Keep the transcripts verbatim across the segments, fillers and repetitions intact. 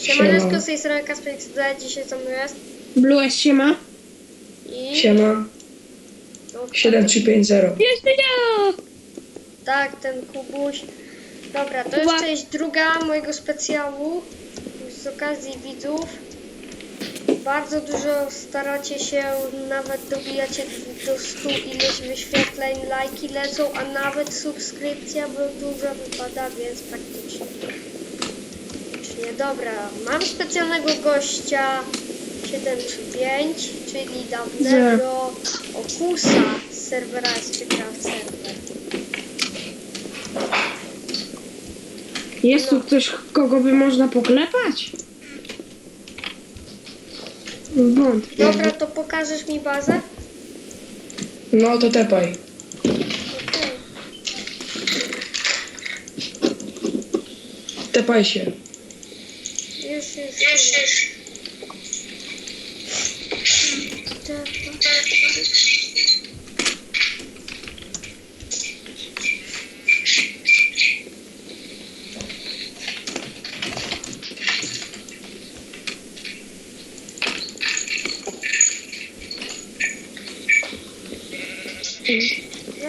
Siemaneczko, z tej strony Kasper X D, dzisiaj co my jest? Blue S siema. I... Siema. No, siedem trzy pięć zero. Jeszcze ja! tak, ten Kubuś. Dobra, to Kuba. jest część druga mojego specjału z okazji widzów. Bardzo dużo staracie się, nawet dobijacie do stu ileś wyświetleń, lajki lecą, a nawet subskrypcja bo dużo wypada, więc praktycznie. praktycznie. Dobra, mam specjalnego gościa siedem trzy pięć, czyli dawnego Okusa z serwera SPCraft Server. Jest tu ktoś, kogo by można poklepać? Wątpię. Dobra, to pokażesz mi bazę? No to tepaj. Okej. Tepaj się. Już, już, już. Ej,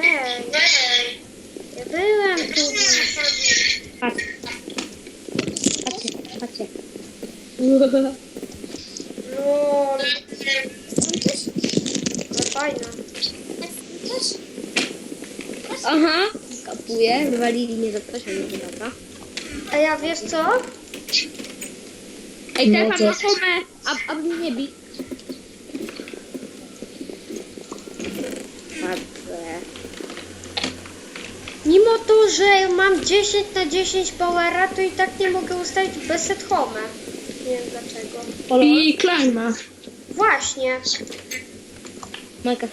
ja byłem tu dziś. Patrz. Patrzcie, patrzcie. Lol. Ale fajna. Aha, kapuję. Wywalili mnie za coś, ale nie dobra. A ja wiesz co? Ej, No teraz to- mam na homę, a, a mnie nie bi. Patrzę. Mimo to, że mam dziesięć na dziesięć powera, to i tak nie mogę ustawić bez set home. Nie wiem dlaczego. I klima. Właśnie. Majka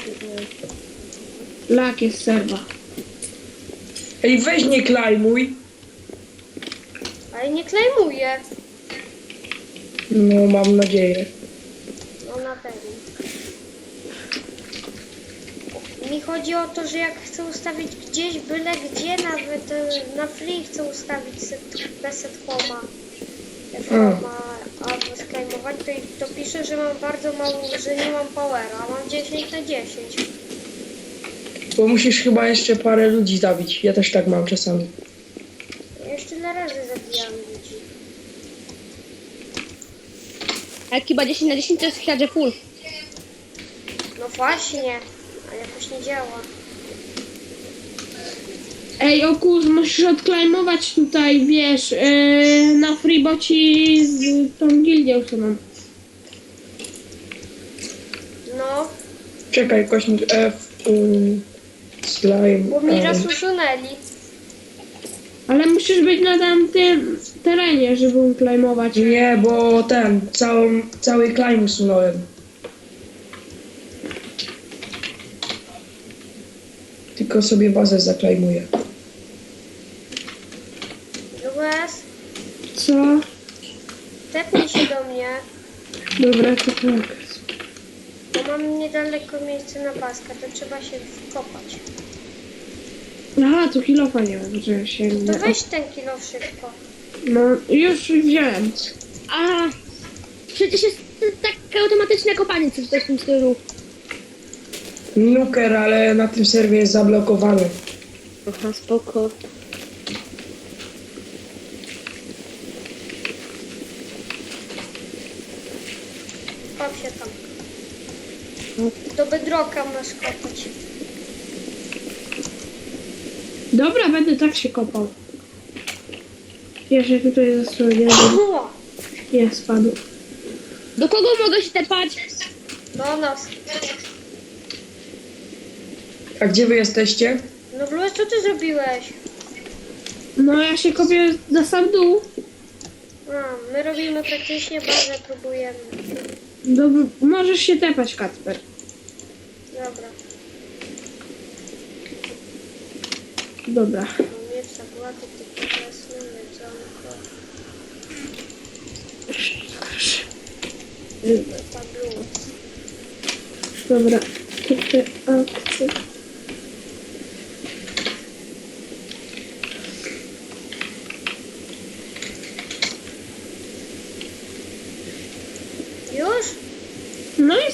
Lak jest serwa. Ej, weź nie klejmuj. Ale nie klejmuję. No mam nadzieję. No na pewno. Mi chodzi o to, że jak chcę ustawić gdzieś, byle gdzie, nawet e, na free chcę ustawić set, bez set home'a. F-homa albo sklejmować, to, i- to pisze, że mam bardzo mało, że nie mam powera, a mam dziesięć na dziesięć. Bo musisz chyba jeszcze parę ludzi zabić. Ja też tak mam czasami. Ja już tyle razy zabijam ludzi. A jak chyba dziesięć na dziesięć to jest chyba full. No właśnie, a jakoś nie działa. Ej, Okus, musisz odklejmować tutaj, wiesz, yy, na freeboci z tą gildią usuną. No, Czekaj, kośnik F, um, slime. bo mi raz um, usunęli. Ale musisz być na tamtym terenie, żeby uklejmować. Nie, bo ten, całą, cały claim usunąłem. Tylko sobie bazę zaklejmuję. Lues, Co? tepnij się do mnie, Dobra, to tak. bo mam niedaleko miejsce na baska, to trzeba się wkopać. Aha, tu kilofa nie ma, że się... To weź ten kilo szybko. No, już wziąłem. A, przecież jest takie automatyczne kopanie, coś w tym stylu. Nuker, ale na tym serwie jest zablokowany. Aha, spoko. Kop się tam. Do bedroka masz kopać. Dobra, będę tak się kopał. Jeszcze tutaj zasłonię. O, Nie, spadł. Do kogo mogę się tepać? do nas. A gdzie wy jesteście? No Lues, co ty zrobiłeś? No, ja się kopię za sam dół. A, my robimy praktycznie bazę, próbujemy. Dobra, możesz się tepać, Kacper. Dobra. Dobra. Mam mieć zagłady, tylko jasne, jedzonko. Pablu. Dobra. Tutaj akcje.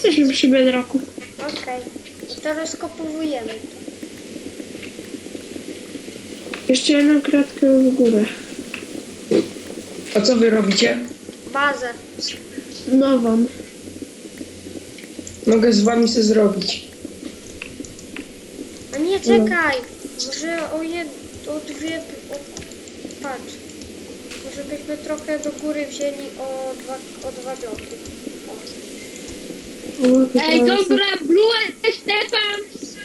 jesteśmy przy bedroku. Okej. I to rozkopowujemy. Jeszcze jedną kratkę w górę. A co wy robicie? Bazę. Nową. Mogę z wami sobie zrobić. A nie, czekaj. Może o jed... o dwie... O... Patrz. Może byśmy trochę do góry wzięli o dwa, o dwa bloki. O. O, to Ej, teraz- dobra, Blue, Stefan!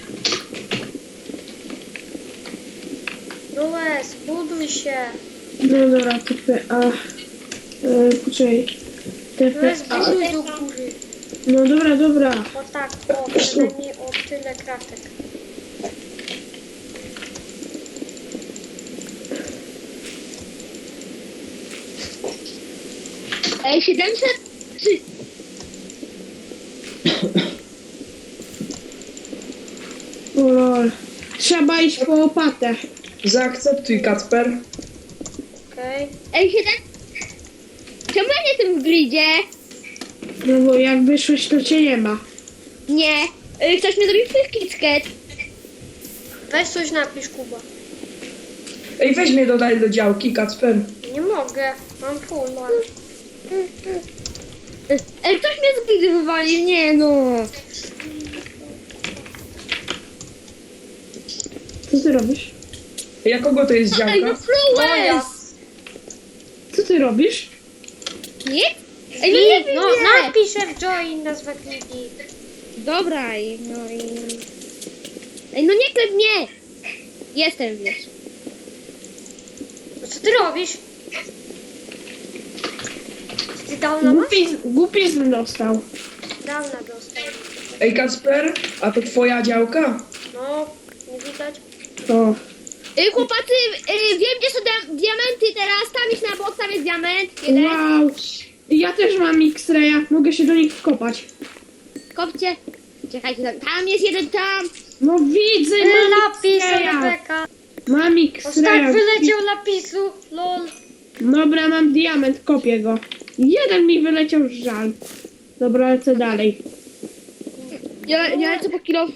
Lues, buduj się. No dobra, T P A. E, poczekaj. T P Lues, A. buduj do góry. No dobra, dobra. O tak, o, przynajmniej o tyle kratek. Ej, siedemset? Trzy. O lol. Trzeba iść po łopatę. Zaakceptuj, Kacper. Okej. Ej, siedem? Czemu ja nie jestem w gridzie? No bo jak wyszłeś, to cię nie ma. Nie. Ej, ktoś mi zrobił kitket. Weź coś napisz, Kuba. Ej, weź mnie dodaj do działki, Kacper. Nie mogę. Mam full, mam. Ej, ktoś mnie z gridy wywalił, nie no. Co ty robisz? Ja kogo to jest Ej, no działka? Moja. Flowes! Co ty robisz? Nie? Ej, no nie wiem, No, nie. napiszę w join nazwę kliki. Dobra, i no i... Ej, no nie klep mnie! Jestem, wiesz. No co ty robisz? Ty downa masz? Głupi, głupizm dostał. Downa dostał. Ej, Kacper, a to twoja działka? No, nie widać. O. Ej, chłopacy, ej, wiem gdzie są dia- diamenty teraz. Tam jest na bok, tam jest diament. Jeden. Wow. Ja też mam X-raya. Mogę się do nich wkopać. Kopcie. Czekajcie, tam, tam jest jeden tam. No widzę, Ty, mam lapis, X-raya. Rebeka. Mam O, X-raya. tak wyleciał lapisu. Lol. Dobra, mam diament, kopię go. Jeden mi wyleciał, żal. Dobra, lecę dalej. Ja, ja lecę po kilo.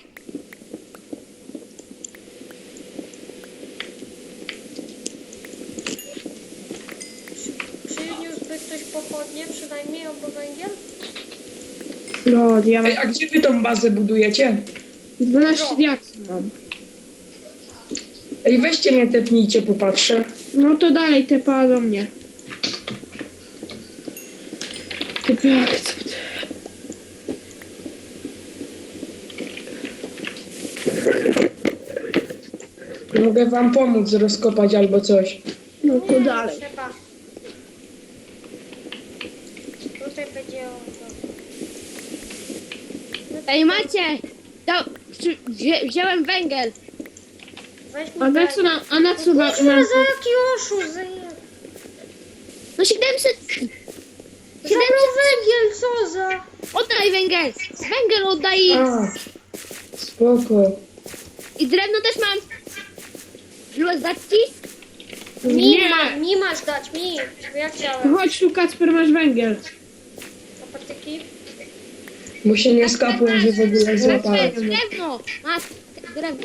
Przyniósłby ktoś pochodnie, przynajmniej albo węgiel? No, Ej, diament. a gdzie wy tą bazę budujecie? dwanaście diaksów mam. Ej, weźcie mnie, tepnijcie, popatrzę. No to dalej, tepa do mnie. Typy akcept. Mogę wam pomóc rozkopać albo coś. No to Nie, dalej. Trzeba. Tutaj będzie o to. Ej, macie. Da, wzi- wzię, wziąłem węgiel. Weź mi A na węgiel. co na, a na co Kurwa, na, za na, jaki oszust, za, No siedemset. zabrał węgiel, co za... Oddaj węgiel. Węgiel oddaj. A, spoko. I drewno też mam. Blue, dać ci? Mi, Nie. ma, mi masz dać, mi. Bo ja chciałem. Chodź tu, Kacper, masz węgiel. A patyki? Bo się nie skapłem, że w ogóle złapałem. Drewno. Masz drewno.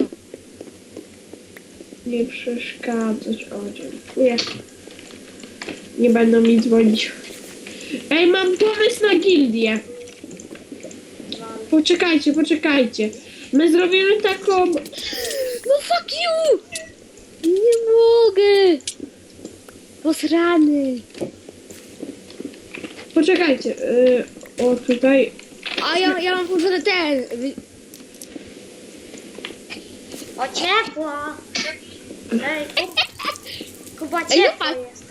Nie przeszkadzasz. O, dziękuję. Nie będą mi dzwonić. Ej, mam pomysł na gildię. Poczekajcie, poczekajcie. My zrobimy taką... No fuck you! Nie mogę! Posrany! Poczekajcie. Yy, o, tutaj... A ja, ja mam włączony ten. O, ciepło. Ej, Kuba, Kuba Ej, no ciepło patrz. jest.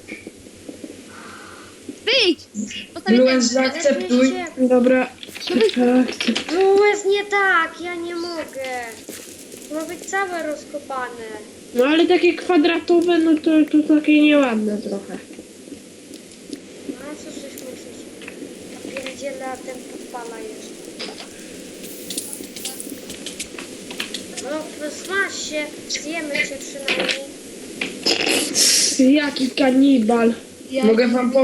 Wyjdź! Postawię Lues, ten. zaakceptuj. Dobra. Tak, Lues, nie tak, ja nie mogę. Ma być całe rozkopane. no ale takie kwadratowe, no to, to takie nieładne trochę. No a co żeś myślisz? Ja pierdzielę, a ten podpala jeszcze. No, smaż się, zjemy cię przynajmniej. Jaki kanibal. Ja- Mogę wam pomóc.